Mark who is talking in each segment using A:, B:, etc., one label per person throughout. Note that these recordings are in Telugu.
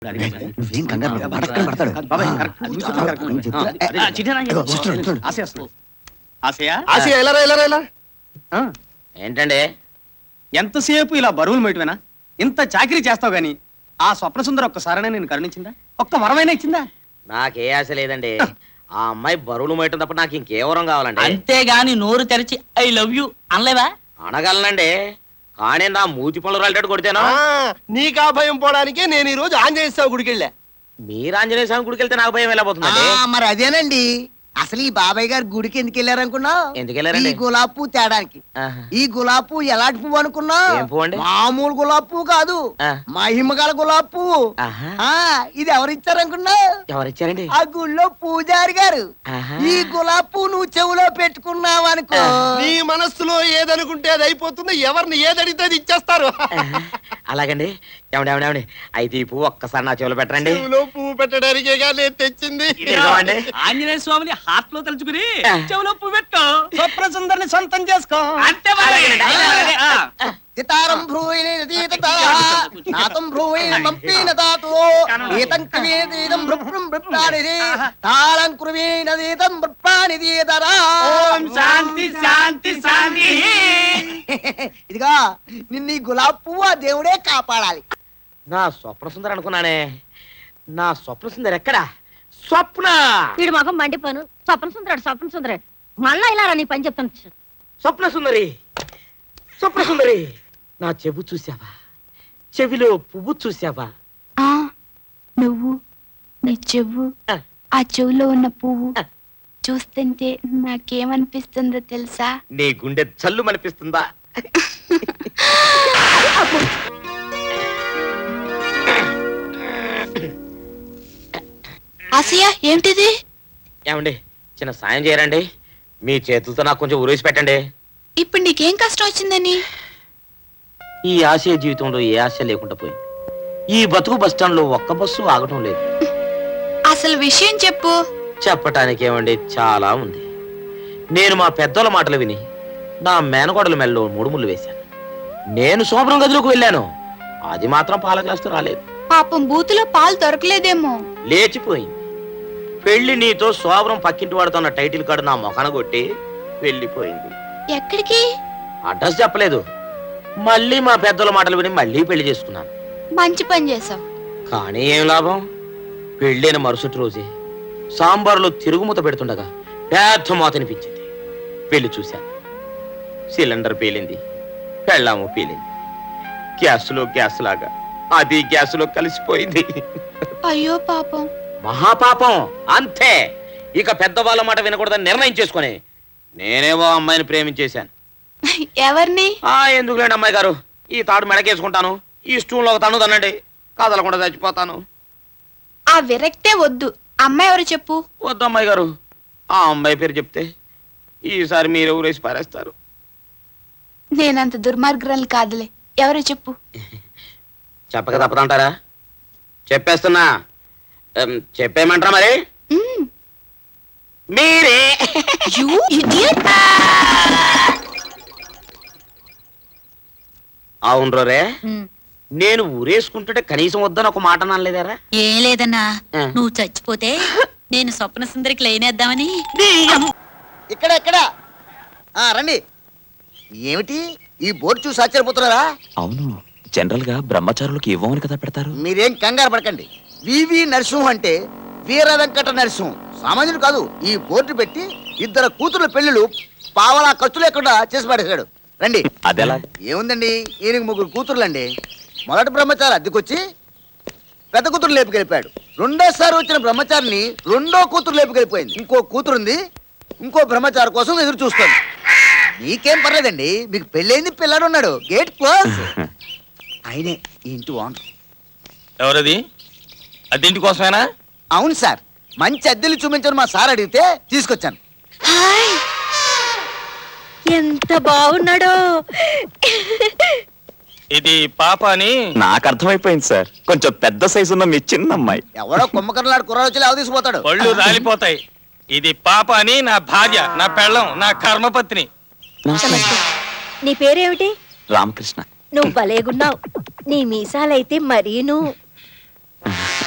A: ఏంటండి
B: ఎంతసేపు ఇలా బరువులు మేటవేనా? ఇంత చాకరీ చేస్తావు గాని ఆ స్వప్న సుందర ఒక్కసారైనా నేను కరుణించిందా? ఒక్క వరమైనా ఇచ్చిందా?
A: నాకే ఆశ లేదండి. ఆ అమ్మాయి బరువులు మేయటం తప్ప నాకు ఇంకే వరం కావాలండి.
C: అంతేగాని నోరు తెరిచి ఐ లవ్ యూ అనలేవా?
A: అనగలనండి, కానీ నా మూతి పనులు రాలేటట్టు కొడితేనా?
D: నీకా భయం పోవడానికే నేను ఈ రోజు ఆంజనేయ స్వామి గుడికి వెళ్ళా.
A: మీరు ఆంజనేయ స్వామి గుడికి వెళ్తే నాకు భయం వెళ్ళబోతుందండి.
E: మరి అదేనండి, అసలు ఈ బాబాయ్ గారు గుడికి ఎందుకు వెళ్ళారనుకున్నా?
A: ఎందుకు వెళ్ళారండి?
E: ఈ గులాబ్ పువ్వు తేడానికి. ఈ గులాబ్ పువ్వు ఎలాంటి పువ్వు అనుకున్నా? మామూలు గులాబ్ పువ్వు కాదు, మహిమగల గులాబ్ పువ్వు. ఇది ఎవరిచ్చారనుకున్నా?
A: ఎవరిచ్చారండి?
E: ఆ గుళ్ళో పూజారి గారు. ఈ గులాబ్ పువ్వు నువ్వు చెవులో పెట్టుకున్నావు అనుకో,
D: నీ మనస్సులో ఏదనుకుంటే అది అయిపోతుంది. ఎవరిని ఏదడితే అది ఇచ్చేస్తారు.
A: అలాగండి. ఏమండి అయితే ఈ పువ్వు ఒక్కసారి నా చెవులో పెట్టండి.
D: పువ్వు పెట్టడానికే నేను తెచ్చింది.
C: ఆంజనేయ స్వామిని హార్ట్ లో తలుచుకుని చెవులో పువ్వు పెట్టు,
B: స్వప్న సుందరిని సొంతం చేసుకో.
C: అంతే.
E: సితారం భ్రూయితం భ్రూయిన పంపిన తాతో ఏతం కవేదీతం భృప్రం భృప్రానిది తాళం కృవీనదీతం భృప్రానిదీతరా.
C: ఓం శాంతి శాంతి శాంతి.
E: ఇదిగా నిన్ను ఈ గులాబ్ పువ్వు ఆ దేవుడే కాపాడాలి.
A: నా స్వప్న సుందరి అనుకున్నానే, నా స్వప్న సుందరి ఎక్కడా? స్వప్న
F: వీడు మగం మండిపోను. స్వప్న సుందరుడు మళ్ళా ఇలా నీ పని చెప్తాను.
A: స్వప్న సుందరి, స్వప్న సుందరి, నా చెవు చూసావా? చెవిలో పువ్వు చూసావా?
G: నువ్వు నీ చెవు, ఆ చెవులో ఉన్న పువ్వు చూస్తుంటే నాకేమనిపిస్తుందో తెలుసా?
A: నీ గుండె చల్లు మనిపిస్తుందా?
G: ఆసియా, ఏమిటిది?
A: ఏమండి, చిన్న సాయం చేయరండి. మీ చేతులతో నాకు కొంచెం ఉరేసి పెట్టండి.
G: ఇప్పుడు నీకేం కష్టం వచ్చిందని?
A: ఈ ఆశయ జీవితంలో ఏ ఆశ లేకుండా పోయింది. ఈ బతుకు బస్టాండ్ లో ఒక్క బస్సు ఆగటం లేదు.
G: అసలు విషయం చెప్పు.
A: చెప్పటానికి ఏమండి, చాలా ఉంది. నేను మా పెద్దల మాటలు విని నా మేనగోడల మెల్లో 3 ముళ్ళు వేశాను. నేను శోభనం గదిలోకి వెళ్ళాను, అది మాత్రం పాల గ్లాసుతో రాలేదు.
G: పాపం బూతులో పాలు దొరకలేదేమో.
A: లేచిపోయింది. పెళ్లి నీతో శోభనం పక్కింటి వాడుతున్న టైటిల్ కార్డు నా మొఖాన కొట్టి వెళ్ళిపోయింది.
G: ఎక్కడికి?
A: అడ్రస్ చెప్పలేదు. మళ్ళీ మా పెద్దల మాటలు విని మళ్ళీ పెళ్లి చేసుకున్నాను.
G: మంచి పని చేసావు.
A: కానీ ఏం లాభం? పెళ్ళైన మరుసటి రోజే సాంబార్లో తిరుగుమూత పెడుతుండగా పెద్ద మూత అనిపించింది. పెళ్లి చూశాను. సిలిండర్ పేలింది, పెళ్ళాము పేలింది. గ్యాస్లో గ్యాస్ లాగా అది గ్యాస్లో కలిసిపోయింది.
G: అయ్యో పాపం.
A: మహాపాపం. అంతే. ఇక పెద్దవాళ్ళ మాట వినకూడదని నిర్ణయం చేసుకుని నేనేవో అమ్మాయిని ప్రేమించేశాను.
G: ఎవరిని?
A: ఎందుకులేండి అమ్మాయి గారు, ఈ తాడు మెడకేసుకుంటాను, ఈ స్టూల్లో ఒక తన్ను తనండి, కదలకుండా చచ్చిపోతాను.
G: ఆ విరక్తే వద్దు. అమ్మాయి ఎవరు చెప్పు.
A: వద్దు అమ్మాయి గారు, ఆ అమ్మాయి పేరు చెప్తే ఈసారి మీరు ఊరేసి పారేస్తారు.
G: నేనంత దుర్మార్గురాలు కాదులే. ఎవరో చెప్పు.
A: చెప్పక తప్పదంటారా? చెప్పేస్తున్నా. చెప్పేయమంటారా మరి? మీరే. అవును రే, నేను ఊరేసుకుంటుంటే కనీసం వద్దని ఒక మాట అనలేదారా?
F: ఏం లేదన్నా, నువ్వు చచ్చిపోతే నేను స్వప్న సుందరికి లైనేద్దామని.
E: ఇక్కడ రండి. ఏమిటి ఈ బోర్డు చూసి ఆశ్చర్యపోతున్నారా?
H: అవును, జనరల్ గా బ్రహ్మచారులకు ఇవ్వమని కదా పెడతారు.
E: మీరేం కంగారు పడకండి. వివి నరసింహ అంటే వీర వెంకట నరసింహం, సామాన్యుడు కాదు. ఈ బోర్డు పెట్టి 2 కూతుర్ల పెళ్లిళ్ళు పావలా ఖర్చు లేకుండా చేసి పడేశాడు. రండి.
H: అదెలా?
E: ఏముందండి, ఈయనకి 3 కూతుర్లండి. మొదటి బ్రహ్మచారి అద్దెకొచ్చి పెద్ద కూతురు లేపుకెళ్ళిపోయాడు. రెండోసారి వచ్చిన బ్రహ్మచారిని 2వ కూతురు లేపుకెళ్ళిపోయింది. ఇంకో కూతురుంది, ఇంకో బ్రహ్మచారి కోసం ఎదురు చూస్తుంది. మీకేం పర్లేదండి, మీకు పెళ్ళైంది, పిల్లాడు ఉన్నాడు. Gate close. ఆయనే ఈ ఇంటి ఓనర్.
D: ఎవరది? అద్దెంటి కోసమేనా?
E: అవును సార్, మంచి అద్దెలు చూపించని మా సార్ అడిగితే తీసుకొచ్చాను.
F: ఎంత బాగున్నాడో.
D: ఇది పాప అని
H: నాకు అర్థమైపోయింది సార్. కొంచెం పెద్ద సైజు ఉన్న మీ చిన్న అమ్మాయి.
E: ఎవడో కుమ్మకర్లాడు కుర్రాడు వచ్చి లేవ తీసుకుపోతాడు.
D: పళ్ళు రాలిపోతాయి. ఇది పాప అని నా భార్య, నా పెళ్ళం, నా కర్మపత్ని.
F: నీ పేరేమిటి?
H: రామకృష్ణ.
F: నువ్వు భలేగున్నావు. నీ మీసాలైతే మరీను.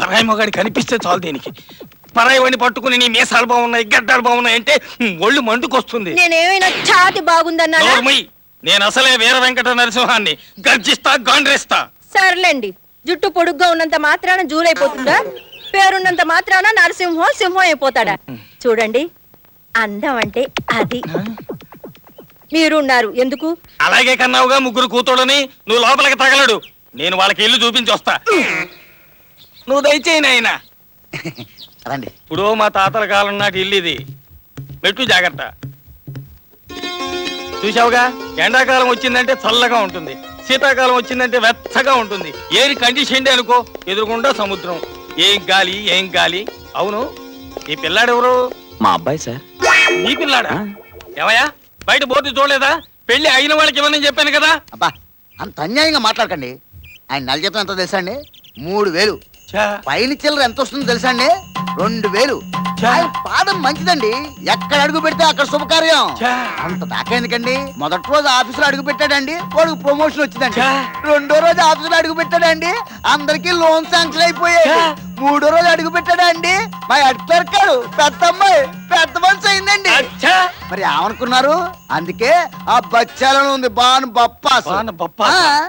D: పరాయి మొగాడి కనిపిస్తే చాలు దీనికి. పరాయి వాడిని పట్టుకుని నీ మీసాలు బాగున్నాయి, గడ్డాలు బాగున్నాయి అంటే ఒళ్ళు మండుకొస్తుంది.
I: నేనేమైనా ఛాతి బాగుందన్నా?
D: నోర్మై, నేను అసలే వీర వెంకట నరసింహాన్ని. గర్జిస్తా, గాండ్రేస్తా.
I: సర్లేండి, జుట్టు పొడుగ్గా ఉన్నంత మాత్రాన జూలైపోతుందా? పేరున్నంత మాత్రాన నరసింహం సింహం అయిపోతాడా? చూడండి, అందం అంటే అది. మీరున్నారు ఎందుకు?
D: అలాగే కన్నావుగా ముగ్గురు కూతుళ్ళని. నువ్వు లోపలికి తగలడు, నేను వాళ్ళకి ఇల్లు చూపించి వస్తా. నువ్వు దయచేయి నాయనా.
E: రండి.
D: ఇప్పుడు మా తాతల కాలం నాటి ఇల్లు ఇది. మెట్టు జాగ్రత్త. చూసావుగా, ఎండాకాలం వచ్చిందంటే చల్లగా ఉంటుంది, శీతాకాలం వచ్చిందంటే వెచ్చగా ఉంటుంది. ఏరి కండిషన్ అనుకో, ఎదురుకుండా సముద్రం. ఏం గాలి, ఏం గాలి. అవును, ఈ పిల్లాడెవరు?
H: మా అబ్బాయి సార్.
D: నీ పిల్లాడా? ఏమయ్యా, బయట బోర్డు చూడలేదా? పెళ్లి అయిన వాళ్ళకి ఇవ్వనని చెప్పాను కదా.
E: అబ్బా, అంత అన్యాయంగా మాట్లాడకండి. ఆయన నెల జీతం ఎంతో తెలుసా అండి? 3000. పైన చిల్లర ఎంత వస్తుందో తెలుసా అండి? 2000. ఆయన పాదం మంచిదండి, ఎక్కడ అడుగు పెడితే అక్కడ శుభకార్యం. అంత దాకా ఎందుకండి? మొదటి రోజు ఆఫీసులో అడుగు పెట్టాడండి, వాడికి ప్రమోషన్ వచ్చిందండి. రెండో రోజు ఆఫీసులో అడుగు పెట్టాడండి, అందరికి లోన్ శాంక్షన్ అయిపోయాయి. మూడో రోజు అడుగు పెట్టాడండి, మా హెడ్ క్లర్క్ పెద్ద అమ్మాయి పెద్ద మనిషి అయిందండి. మరి ఏమనుకున్నారు? అందుకే ఆ బచ్చాలను ఉంది బాను బప్పాస్.
D: బాను బప్పాస్.